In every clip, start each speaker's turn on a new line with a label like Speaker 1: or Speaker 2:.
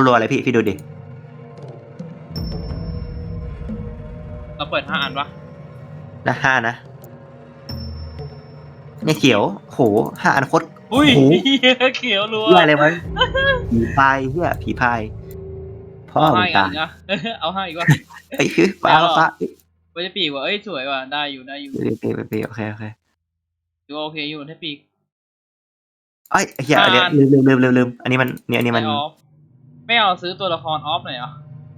Speaker 1: รัวๆเลยพี่ดูดิ
Speaker 2: เราเปิด5 อันปะ
Speaker 1: นะ5 นะเนี่ยเขียวโห5 อันโคตร
Speaker 2: อุ้ย
Speaker 1: โห
Speaker 2: เขียวรัว
Speaker 1: เหี้ยอะไรวะผีพายเหี้ยผีพายพ่อ
Speaker 2: เอา
Speaker 1: มึ
Speaker 2: ให้
Speaker 1: ง
Speaker 2: อีกอั
Speaker 1: ตาน ย
Speaker 2: อีกอะเอาให้อีกว่า
Speaker 1: ไอ้คือฟ้า
Speaker 2: ไม่เอาหรอ
Speaker 1: ฟ้า
Speaker 2: ไม่ได้ปีกว่ะเอ้ยสวยว่ะได้อยู่
Speaker 1: ปีโอเค
Speaker 2: ดูโอเคอยู่ให้ปีก
Speaker 1: ไอ้เหี้ยอันเนี้ยลืมอันนี้มันเนี่ยอันนี้มัน
Speaker 2: ไม่ออฟไม่เอาซื้อตัวละครออฟหน่อยเหรอ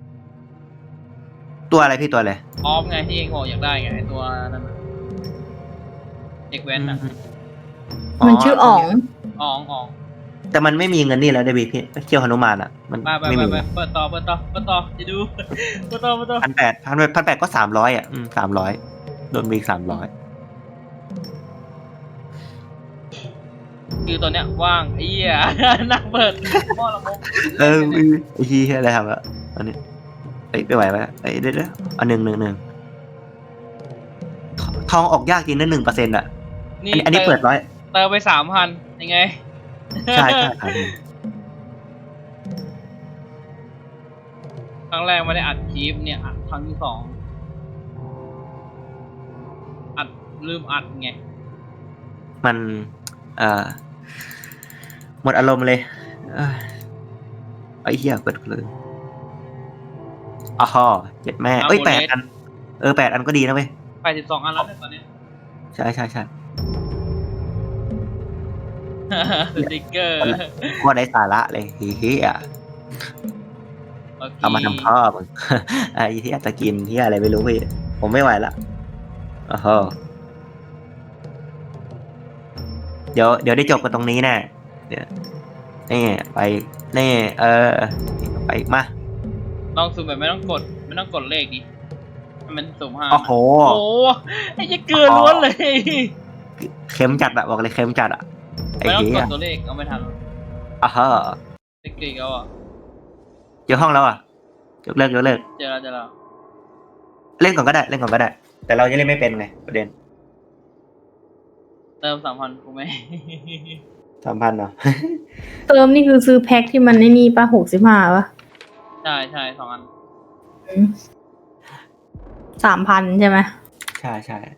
Speaker 1: ตัวอะไรพี่ตัวอะไร
Speaker 2: ออฟไงที่เองบอกอยากได้ไงไอ้ตัวนั้นน่ะเด็กแว้นน่ะ
Speaker 3: มันชื่ออ๋อง
Speaker 2: อ๋อง
Speaker 1: แต่มันไม่มีเงินนี่แล้วได้พี่เคี่ยวหนุมานอ่ะมัน
Speaker 2: ไป
Speaker 1: ไม่มี
Speaker 2: เปิดต่อจะดู เปิดต่อ
Speaker 1: 1,800ก็300อ่ะ300โดนมี300
Speaker 2: คือตอนเนี้ยว่างไอ้เหี้ย นั่งเปิดหม้อละมก
Speaker 1: ไอ้เหี้ยอะไรทำละอันนี้ไม่ไหวไหมเดี๋ยวอันหนึ่งทองออกยากจริงนะ1%อ่ะอันนี้เปิด100
Speaker 2: เติมไป3,000ยังไง
Speaker 1: ใช่ครับ
Speaker 2: ครั้งแรกไม่ได้อัดคลิปเนี่ยอัดครั้งที่ 2อัดลืมอัดไง
Speaker 1: มันหมดอารมณ์เลยไอ้เหี้ยเปิดเลยอ๋อเจ็ดแม่เอ้ย8 อัน8 อันก็ดีนะเว้ย
Speaker 2: 82 อันแล้วเนี่ยตอนนี้
Speaker 1: ใช่
Speaker 2: สติ๊กเกอร์
Speaker 1: ว่าได้สาระเลยเฮีย
Speaker 2: โอเค
Speaker 1: เอามาทำพ่อมึง ไอ้เฮียจะกินเฮียอะไรไม่รู้พี่ผมไม่ไหวละโอ้โหเดี๋ยวได้จบกันตรงนี้แน่เดี๋ยวนี่ไปนี่ไปมา
Speaker 2: ลองซูมแบบไม่ต้องกดเลขดิให้มันสุ่ม5
Speaker 1: โอ้โห
Speaker 2: โอ้โหไอ้เกลือล้วนเลย
Speaker 1: เค็มจัดอะบอกเลยเค็มจัดอะไอ้
Speaker 2: ไม่ต้อง
Speaker 1: เฮี
Speaker 2: ก
Speaker 1: ย
Speaker 2: ดตัวเลขเอาไม่ทัน
Speaker 1: อ่ะฮะ
Speaker 2: เด็กๆเอาอ่ะ
Speaker 1: เจอห้องแล้วอ่ะยกเลิก
Speaker 2: เจอแล้ว
Speaker 1: เล่นก่อนก็ได้แต่เรายังเล่นไม่เป็นไงประเด็น
Speaker 2: เติม 3,000กูไหม
Speaker 1: 3,000เนาะ
Speaker 3: เติมนี่คือซื้อแพ็คที่มันไอ้นี่ป่ะ65ป่ะ
Speaker 2: ใช่2 อัน
Speaker 3: 3,000ใช่ไหม
Speaker 1: ใช่